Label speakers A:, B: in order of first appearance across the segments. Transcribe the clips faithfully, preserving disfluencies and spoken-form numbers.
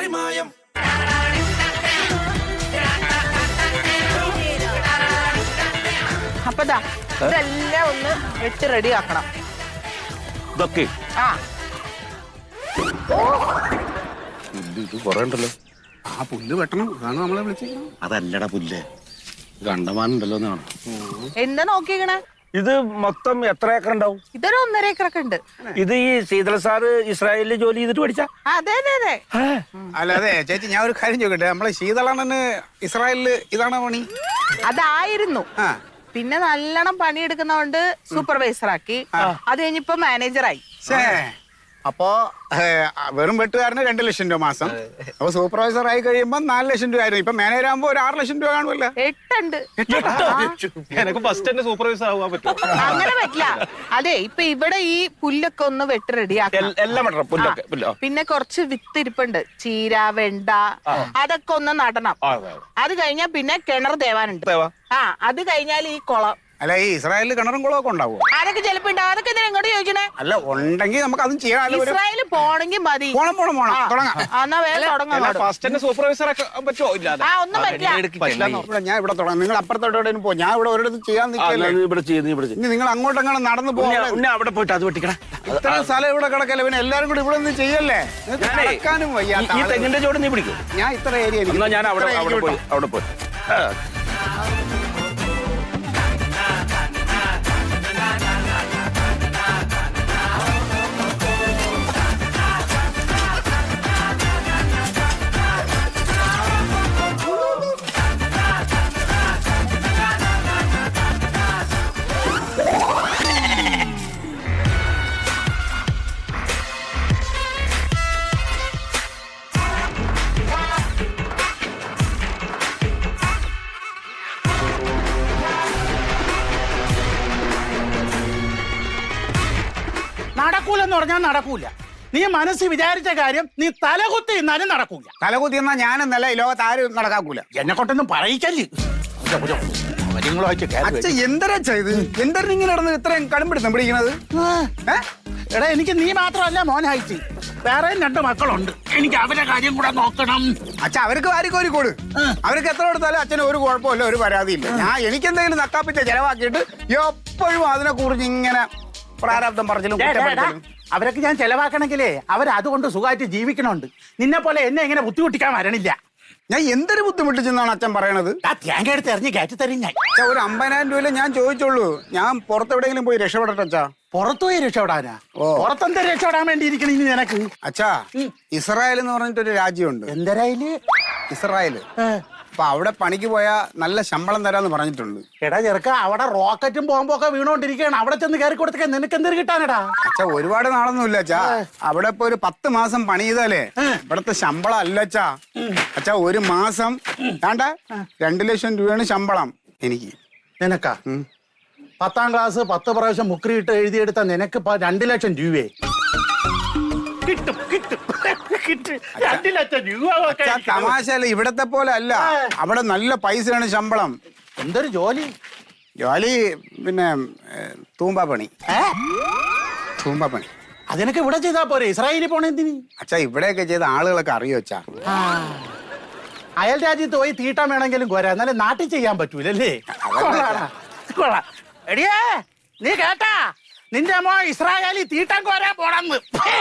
A: പാതിമായം.
B: അപ്പതാ ഇതെല്ലാം ഒന്ന് വെച്ച് റെഡി ആക്കണം.
C: ഇതൊക്കെ
B: ആ
C: ഇത് കൊറേ ഉണ്ടല്ലോ.
D: ആ പുല്ല് വെട്ടണം, അതാണ് നമ്മളെ വിളിച്ചത്.
C: അതല്ലടാ പുല്ല്, ഗണ്ടമാനുണ്ടല്ലോ എന്നാണ്.
B: എന്താ നോക്കിക്കണേ?
C: ഇത് മൊത്തം എത്ര ഏക്കർ ഉണ്ടാവും?
B: ഇതൊരു ഒന്നര ഏക്കറൊക്കെ ഉണ്ട്.
C: ഇത് ഈ ശീതൾ സാറ് ഇസ്രായേലിൽ ജോലി ചെയ്തിട്ട് പഠിച്ച?
B: അതെ അതെ അതെ.
D: അല്ല അതെ ചേച്ചി, ഞാൻ ഒരു കാര്യം ചോദിക്കട്ടെ, നമ്മളെ ശീതളണ്ണന് ഇസ്രായേലില് ഇതാണ് പണി?
B: അതായിരുന്നു.
D: ആ
B: പിന്നെ നല്ലോണം പണിയെടുക്കുന്നോണ്ട് സൂപ്പർവൈസർ ആക്കി. അത് കഴിഞ്ഞിപ്പോ മാനേജറായി.
D: അപ്പോ വെറും വെട്ടുകാരന് രണ്ടു ലക്ഷം രൂപ മാസം. അപ്പൊ സൂപ്പർവൈസർ ആയി കഴിയുമ്പോ നാല് ലക്ഷം രൂപ ആയിരുന്നു. ഇപ്പൊ മാനേജർ ആകുമ്പോ ഒരു ആറ് ലക്ഷം രൂപ കാണുമല്ലോ.
B: എട്ടുണ്ട്.
C: എനിക്ക് ഫസ്റ്റ് തന്നെ സൂപ്പർവൈസർ ആവാൻ പറ്റും?
B: അങ്ങനെ പറ്റില്ല. അതെ, ഇപ്പൊ ഇവിടെ ഈ പുല്ലൊക്കെ ഒന്ന് വെട്ട് റെഡിയാക്കണം.
C: എല്ലാം വെട്ടണം, പുല്ലൊക്കെ. പുല്ലോ
B: പിന്നെ കുറച്ച് വിത്ത് ഇരിപ്പുണ്ട്, ചീര, വെണ്ട, അതൊക്കെ ഒന്ന് നടണം. അത് കഴിഞ്ഞാ പിന്നെ കിണർ തേവാനുണ്ട്. ആ അത് കഴിഞ്ഞാൽ ഈ കുളം.
D: അല്ല, ഈ ഇസ്രായേലിൽ കിണറും കുളമൊക്കെ ഉണ്ടാവും?
B: അതൊക്കെ ചിലപ്പോ ഉണ്ടാവും. അതൊക്കെ എന്തിനാ ഇങ്ങോട്ട് ചോദിക്കണേ?
D: അല്ല, ഉണ്ടെങ്കിൽ നമുക്ക് അതും ചെയ്യാം.
B: ഇസ്രായേലിൽ പോണെങ്കിൽ മതി.
D: പോണം പോണം പോണം തുടങ്ങാം.
B: എന്നാ വേഗം തുടങ്ങാം.
C: ഫസ്റ്റ് തന്നെ സൂപ്പർവൈസർ ഒക്കെ പറ്റുമോ? ഇല്ലാതെ
B: ആ ഒന്നും പറ്റില്ല.
D: ഞാൻ ഇവിടെ തുടങ്ങാം. നിങ്ങൾ അപ്പുറത്തോടെ പോ, ഞാൻ ഇവിടെ ഒരിടത്ത് ചെയ്യാൻ നിൽക്കില്ല.
C: ഇനി
D: നിങ്ങൾ അങ്ങോട്ടെങ്ങനെ നടന്നു പോകാൻ
C: അവിടെ പോയിട്ട് അത് വെട്ടിക്കണം.
D: ഇത്ര സ്ഥലം ഇവിടെ കിടക്കല്ലേ, പിന്നെ എല്ലാരും കൂടി ഇവിടെ ഒന്നും ചെയ്യല്ലേ? നടക്കാനും വയ്യ.
C: ഈ തെങ്ങിന്റെ ചോട് നീ പിടിക്കും.
D: ഞാൻ ഇത്ര ഏരിയ
C: ഞാൻ അവിടെ അവിടെ പോയി അവിടെ പോയി
E: നടക്കൂലെന്ന് പറഞ്ഞാൽ നടക്കൂല. നീ മനസ്സിൽ വിചാരിച്ച കാര്യം നീ തലകുത്തി ഇന്നാലും നടക്കൂല.
D: തലകുത്തി എന്നാ ഞാനെന്നല്ല ഈ ലോകത്ത് ആരും നടക്കാക്കൂല.
E: എന്നെ കൊണ്ടൊന്നും പറയിക്കല്ലേ.
D: എന്തരാ ഇത്? എന്തരം ഇങ്ങനെ നടന്ന് ഇത്രയും കടുംപിടുത്തം പിടിക്കണത്?
E: എടാ, എനിക്ക് നീ മാത്രമല്ല മോനായിട്ട് വേറെയും രണ്ട് മക്കളുണ്ട്. എനിക്ക് അവരുടെ കാര്യം കൂടെ നോക്കണം.
D: അച്ഛ, അവർക്ക് വാരിക്കോരി കൊടു. അവർക്ക് എത്ര കൊടുത്താലും അച്ഛന് ഒരു കുഴപ്പമില്ല, ഒരു പരാതിയില്ല. ഞാൻ എനിക്ക് എന്തെങ്കിലും നക്കാപ്പിച്ച ചെലവാക്കിയിട്ട് എപ്പോഴും അതിനെ കുറിച്ച് ഇങ്ങനെ പ്രാരാബ്ദം പറഞ്ഞാലും
E: അവരൊക്കെ ഞാൻ ചെലവാക്കണമെങ്കിലേ അവരതുകൊണ്ട് സുഖമായിട്ട് ജീവിക്കണുണ്ട്. നിന്നെ പോലെ എന്നെ ഇങ്ങനെ ബുദ്ധിമുട്ടിക്കാൻ വരണില്ല.
D: ഞാൻ എന്തൊരു ബുദ്ധിമുട്ടിച്ചെന്നാണ് അച്ഛൻ പറയണത്?
E: ആ തേങ്ങ എടുത്ത് എറിഞ്ഞ് കയറ്റി തരും ഞാൻ.
D: ഒരു അമ്പതിനായിരം രൂപയിലെ ഞാൻ ചോദിച്ചോളൂ. ഞാൻ പുറത്തെവിടെയെങ്കിലും പോയി രക്ഷപ്പെടട്ടെ അച്ഛാ.
E: പുറത്തു പോയി രക്ഷപ്പെടാനാ?
D: ഓ,
E: പുറത്തെന്താ രക്ഷപ്പെടാൻ വേണ്ടിയിരിക്കണം ഇനി നിനക്ക്?
D: അച്ഛാ, ഇസ്രായേൽ എന്ന് പറഞ്ഞിട്ടൊരു രാജ്യമുണ്ട്.
E: എന്തരായില്?
D: ഇസ്രായേല്. അപ്പൊ അവിടെ പണിക്ക് പോയാ നല്ല ശമ്പളം തരാന്ന് പറഞ്ഞിട്ടുണ്ട്.
E: എടാ ചെറുക്ക, അവിടെ റോക്കറ്റും ബോംബൊക്കെ വീണോണ്ടിരിക്കുകയാണ്. അവിടെ ചെന്ന് കയറി കൊടുത്തൊക്കെ നിനക്ക് എന്തൊരു കിട്ടാനടാ?
D: അച്ഛാ, ഒരുപാട് നാളൊന്നുമില്ല അച്ഛാ. അവിടെ ഇപ്പൊ ഒരു പത്ത് മാസം പണി ചെയ്താലേ ഇവിടത്തെ ശമ്പളം അല്ല അച്ഛാ. അച്ഛാ, ഒരു മാസം വേണ്ട രണ്ടു ലക്ഷം രൂപയാണ് ശമ്പളം എനിക്ക്.
E: നിനക്കാ? പത്താം ക്ലാസ് പത്ത് പ്രാവശ്യം മുക്രിയിട്ട് എഴുതിയെടുത്ത നിനക്ക് രണ്ടു ലക്ഷം രൂപയെ കിട്ടും. കിട്ടും രണ്ടു ലക്ഷം രൂപ.
D: തമാശല്ല, ഇവിടത്തെ പോലെ അല്ല. അവിടെ നല്ല പൈസയാണ് ശമ്പളം.
E: എന്തൊരു ജോലി?
D: ജോലി പിന്നെ തൂമ്പാ പണി. തൂമ്പാ പണി
E: അതിനൊക്കെ ഇവിടെ ചെയ്താ പോരെ? ഇസ്രായേലിൽ പോണ എന്തിന്?
D: അച്ഛാ, ഇവിടെയൊക്കെ ചെയ്ത ആളുകളൊക്കെ അറിയോ അച്ഛാ?
E: അയൽ രാജ്യത്ത് പോയി തീട്ടാൻ വേണമെങ്കിലും പോരാ, എന്നാലും നാട്ടിൽ ചെയ്യാൻ പറ്റൂലല്ലേ? എടിയേ, നീ കേട്ടാ? നിന്റെ മോ ഇസ്രായേലി തീട്ടാൻ കോരാൻ പോണെന്ന്.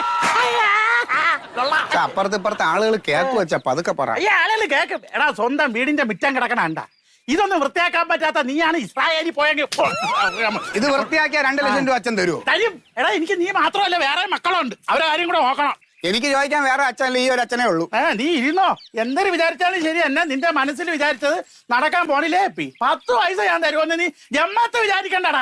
D: അപ്പുറത്ത് ഇപ്പുറത്തെ ആളുകൾ കേക്ക് വെച്ചാ പതുക്കെ പറ.
E: ഈ ആളുകൾ കേക്കും. എടാ, സ്വന്തം വീടിന്റെ മിറ്റം കിടക്കണണ്ട. ഇതൊന്നും വൃത്തിയാക്കാൻ പറ്റാത്ത നീയാണ് ഇസ്രായേലി പോയെങ്കിൽ
D: ഇത് വൃത്തിയാക്കിയ രണ്ടു ലക്ഷം രൂപ അച്ഛൻ തരുമോ?
E: തരും. എടാ, എനിക്ക് നീ മാത്രമല്ല വേറെ മക്കളുണ്ട്. അവരെ കാര്യം കൂടെ നോക്കണം.
D: എനിക്ക് ചോദിക്കാൻ വേറെ അച്ഛനല്ല, ഈ ഒരു അച്ഛനേ ഉള്ളൂ.
E: ഏ നീ ഇരുന്നോ? എന്തൊരു വിചാരിച്ചാലും ശരി, എന്നെ നിന്റെ മനസ്സിൽ വിചാരിച്ചത് നടക്കാൻ പോണില്ലേ? പത്ത് പൈസ ഞാൻ തരുമെന്ന് നീ ജമ്മത്ത് വിചാരിക്കണ്ടടാ.